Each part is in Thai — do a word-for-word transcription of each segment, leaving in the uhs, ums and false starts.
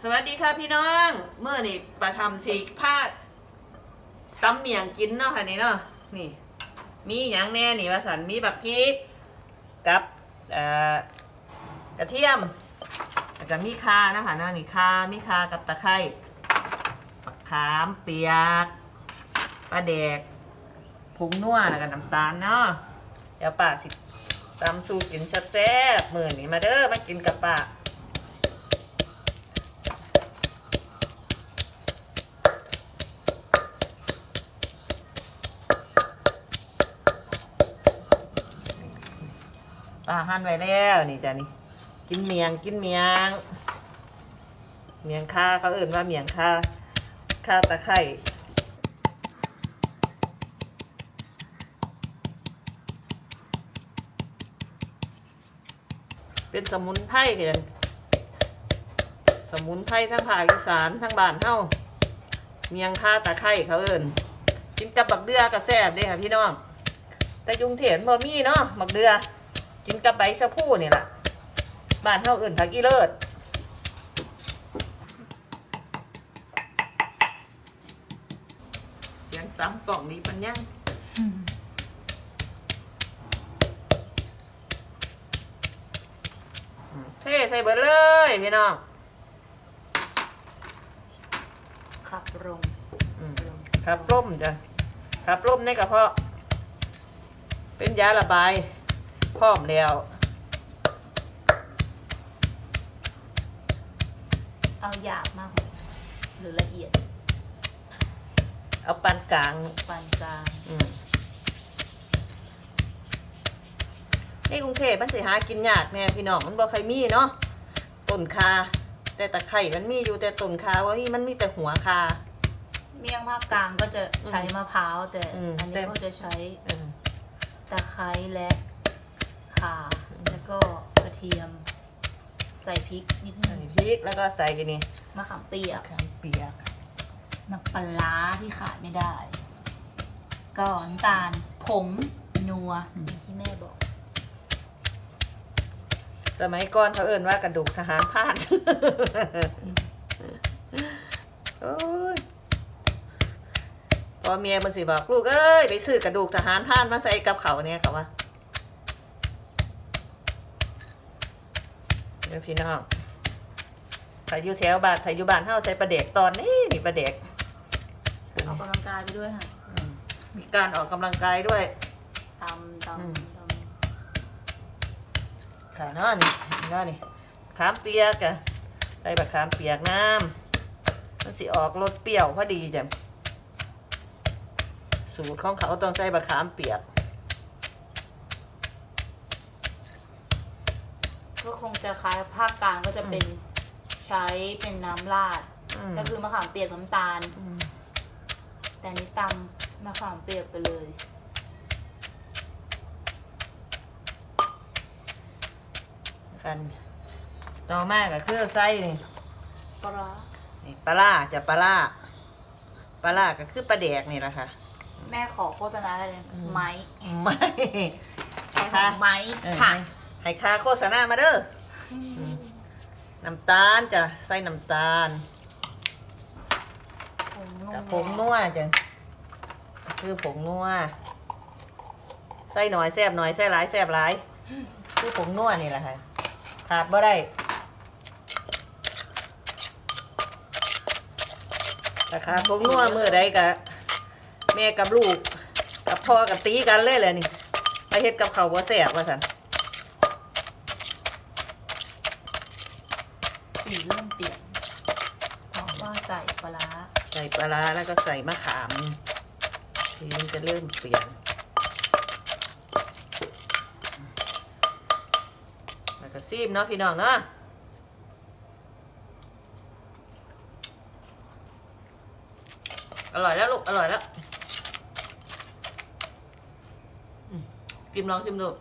สวัสดีค่ะพี่น้องเมื่อนี่ประทำฉีกพาดตำเมียงกินเนาะค่ะนี่เนาะนี่มีอย่างแน่นี่ว่าสันมีบักพริกกับกระเทียมอาจจะมีคานะคะเนาะนี่คามีคากับตะไคร้มะขามเปียกปลาแดกผงนัวแล้วก็น้ำตาลเนาะเดี๋ยวป้าสิตำสูตรกินแซ่บๆมื้อนี้มาเด้อมากินกับป้าป้าหั่นไว้แล้วนี่จ้ะนี่กินเมียงกินเมียงเมียงค่าเขาเอื่นว่าเมียงค่าค่าตะไคร้เป็นสมุนไพรเกันสมุนไพรทั้งภาคอีสานทั้งบ้านเฮาเมียงค่าตะไคร้เขาเอื่นกินกับบักเดือกระแซ่บเด้ค่ะพี่น้องแต่ยุงเถียนบ่มีเนาะบักเดือกินกับใบชะพูนี่แหละบ้านเฮาอื่นผักอีเลิศเสียงตำกล่องนี้มันยังเทใส่เบิดเลยพี่น้องขับลมขับร่มจ้ะขับร่มในกระเพาะเป็นยาระบายพร้อมแล้วเอาหยาบมากหรือละเอียดเอาปานกลางปานกลางนี่กรุงเทพมันสิหากินยากแน่พี่น้องมันบ่ค่อยมีเนาะต้นคาแต่ตะไคร่มันมีอยู่แต่ต้นคาว่ามีมันมีแต่หัวคาเมี่ยงภาคกลางก็จะใช้มะพร้าวแต่อันนี้ก็จะใช้ตะไคร้และข่าแล้วก็กระเทียมใส่พริกนิดนึงพริกแล้วก็ใส่กันนี่มะขามเปียกมะขามเปียกน้ำปลาที่ขาดไม่ได้ก็น้ำตาลผงนัวที่แม่บอกสมัยก่อนเขาเอ่นว่ากระดูกทหารพลาดโอ้ยพอเมียมันสิบอกลูกเอ้ยไปซื้อกระดูกทหารพลาดมาใส่กับเขาเนี่ยเขาว่าเดี๋ยวพี่น้องใส่ยูแถวบ้านใส่ยูบ้านเฮาใส่ปลาเด็กตอนนี้นี่ปลาเด็กออกกำลังกายไปด้วยค่ะมีการออกกำลังกายด้วยตำตำตำขาเนาะนี่เนาะนี่ขามเปียกอะใส่แบบขามเปียกน้ำมันสิออกรสเปรี้ยวพอดีจ้ะสูตรของเขาต้องใส่บะขามเปียกก็คงจะคล้ายภาคกลางก็จะเป็นใช้เป็นน้ำราดก็คือมะขามเปียกน้ำตาลแต่นี้ตำมะขามเปียกไปเลยกันต่อมาก็คือไส้นี่ปลานี่ปลาจะปลาปลาก็คือปลาแดกนี่แหละค่ะแม่ขอโฆษณาอะไรเลยไม้ไม้ใช่ค่ะไม้ค่ะให้ค่าโฆษณามาเด้อน้ำตาลจะใส่น้ำตาลกับผงนัวจ้ะคือผงนัวใส่หน่อยแซ่บหน่อยใส่หลายแซ่บหลายคือผงนัวนี่แหละค่ะขาดบ่ได้แต่ขาดผงนัวเมื่อใดกะแม่กับลูกกับพ่อกับตีกันเลยเลยนี่ไปเฮ็ดกับเขาบ่แซ่บว่าซั่นสีเริ่มเปลี่ยนเพราะว่าใส่ปลาใส่ปลาแล้วก็ใส่มะขามสีมันจะเริ่มเปลี่ยนแล้วก็ซีมเนาะพี่น้องเนาะอร่อยแล้วลูกอร่อยแล้วกินลองชิมดู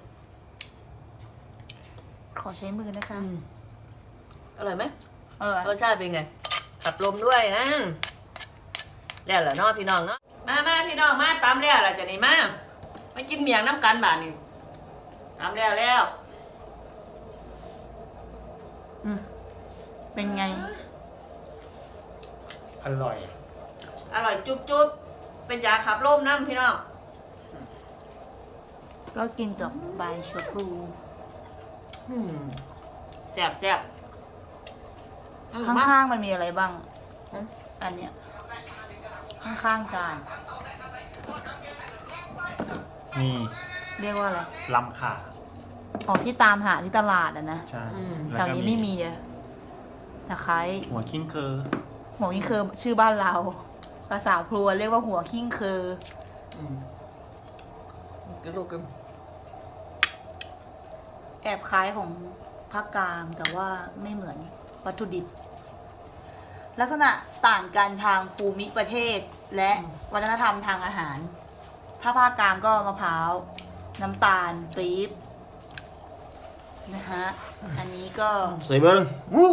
ขอใช้มือนะคะอร่อยไหมอร่อยรสชาติเป็นไงขับลมด้วยนะแล้วเหรอเนาะพี่น้องเนาะมามาพี่น้องมาตามแล้วล่ะจะนี่มามากินเมียงน้ำกันบาทนี่ตามแล้วแล้วเป็นไงอร่อยอร่อยจุ๊บจุ๊บเป็นยาขับลมน้ำพี่น้องก็กินกับใบชะพลูอืมแซ่บแซ่บอืมข้างๆมันมีอะไรบ้างอืมอันเนี้ยข้างๆจานมีเรียกว่าอะไรลำขาอ๋อที่ตามหาที่ตลาดอะนะใช่อืมแถแล้ววก็นี้ไม่มีอะตะไคร้หัวคิงเคอร์หัวขิงเคอชื่อบ้านเรา ภาษาพลัวเรียกว่าหัวขิงเคออืมกระดูกกันแอบคล้ายของภาคกลางแต่ว่าไม่เหมือนวัตถุดิบ ลักษณะต่างกันทางภูมิประเทศและวัฒนธรรมทางอาหาร ถ้าภาคกลางก็มะพร้าว น้ำตาลปี๊บนะฮะ อันนี้ก็ใส่เบิ้งวู้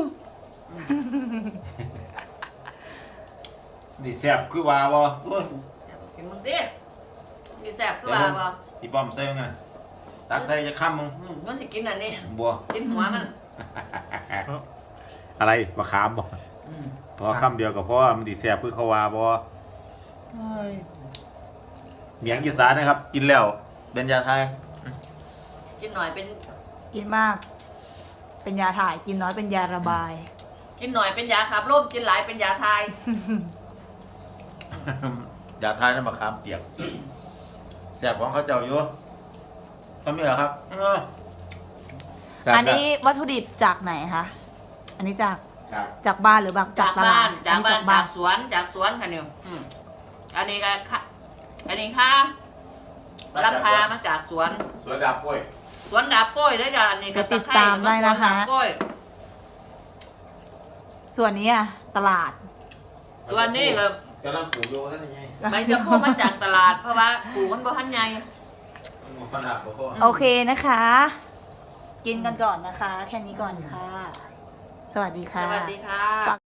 ดิแซ่บคือว่าบ่โอ้ยกินมึงดิมีแซ่บคือว่าบ่อีป้อมใส่ยังไงตักใส่จะข้ามมึงอืมมันสิกินอันนี้บัวกินหัวมันอะไรมะขามบ่อืมพอคำเดียวก็เพราะว่ามันดิแซ่บคือเขาว่าบ่เมียงอีสานนะครับ กินแล้วเป็นยาไทยกินหน่อยเป็นกินมาก เป็นยาถ่าย กินน้อยเป็นยาระบายกินหน่อยเป็นยาขับลมกินหลายเป็นยาทายยาไทยนั่นมะขามเปียกแซ่บของเขาเจ้าอยู่ทำนี่เหรอครับเออแซ่บอันนี้วัตถุดิบจากไหนคะ อันนี้จากครับจากบ้านหรือแบบจากตลบ้าดนจากอับ้านบ้าจากนสวนจากสวนค่ะนิวอืมอันนี้ก็ค่ะอันนี้ค่ะลำพามาจากสวนสวนดาบกล้วยสวนดาบโป้ยด้วยจ้ะอันนี้ก็ไปติดตะไคร้ตามได้นะคะสวดาบโป้ยส่วนนี้อะตลาดส่วนนี้ก็กำลังปลูกอยู่ท่านยังไงใบจะพูมาจากตลาดเพราะว่าปลูกมันบ่ทันใหญ่มันขนาดบ่พอโอเคนะคะ กินกันก่อนนะคะ แค่นี้ก่อนค่ะ สวัสดีสค่ะวัสดีค่ะ